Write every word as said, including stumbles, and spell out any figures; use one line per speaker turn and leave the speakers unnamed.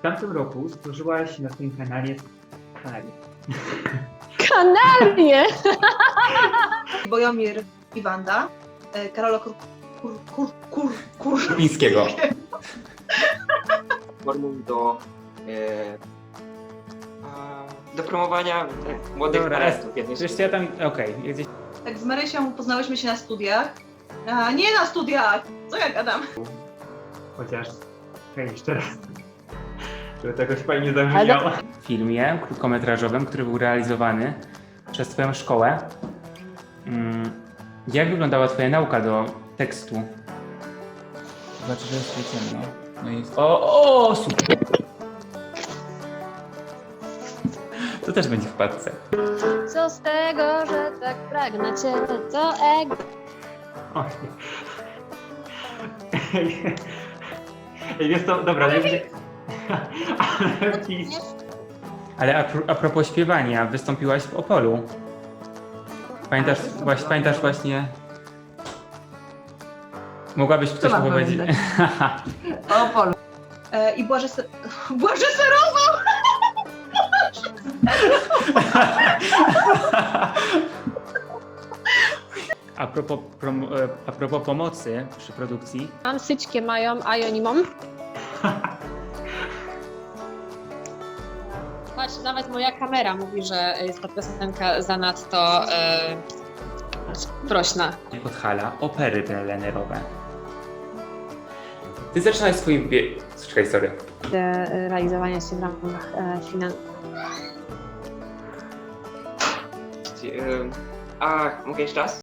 tamtym roku stworzyłaś na swoim kanale kanale.
Kanalnie!
Bojomir i Wanda, e, Karola Kur... Kur... Kur... Kur... Kur...
Pińskiego.
Formuł do, e, a, do promowania tak, młodych
Dobra,
talentów. jednej
Wiesz
z-
co, ja tam, okej, gdzieś
Tak z Marysią poznałyśmy się na studiach. A, nie na studiach! Co ja gadam?
chociaż, hej, jeszcze raz, żeby to jakoś fajnie zabrzmiało.
W filmie krótkometrażowym, który był realizowany przez Twoją szkołę. Mm, jak wyglądała Twoja nauka do tekstu?
Znaczy, że jest ciemno. No i
O, o, super! To też będzie w wpadce.
Co z tego, że tak pragnę cię, to ego.
Oj. Ej, Ej, wiesz co, dobra, nie będzie... Ale pis...
Ale a, pro- a propos śpiewania, wystąpiłaś w Opolu. Pamiętasz, właśnie, pamiętasz właśnie... Mogłabyś coś
mam
powiedzieć?
O, Polu. E, I Błażej ser... Błażej serował!
A propos, prom- e, a propos pomocy przy produkcji,
Mam syćkie mają, a ja nie mam. Patrz, nawet moja kamera mówi, że jest ta piosenka zanadto e, prośna.
Podhala, opery plenerowe. Ty zaczynałeś swoim bie... Czekaj, sorry.
Realizowania się w ramach e, finan...
e, A, mogę jeszcze raz?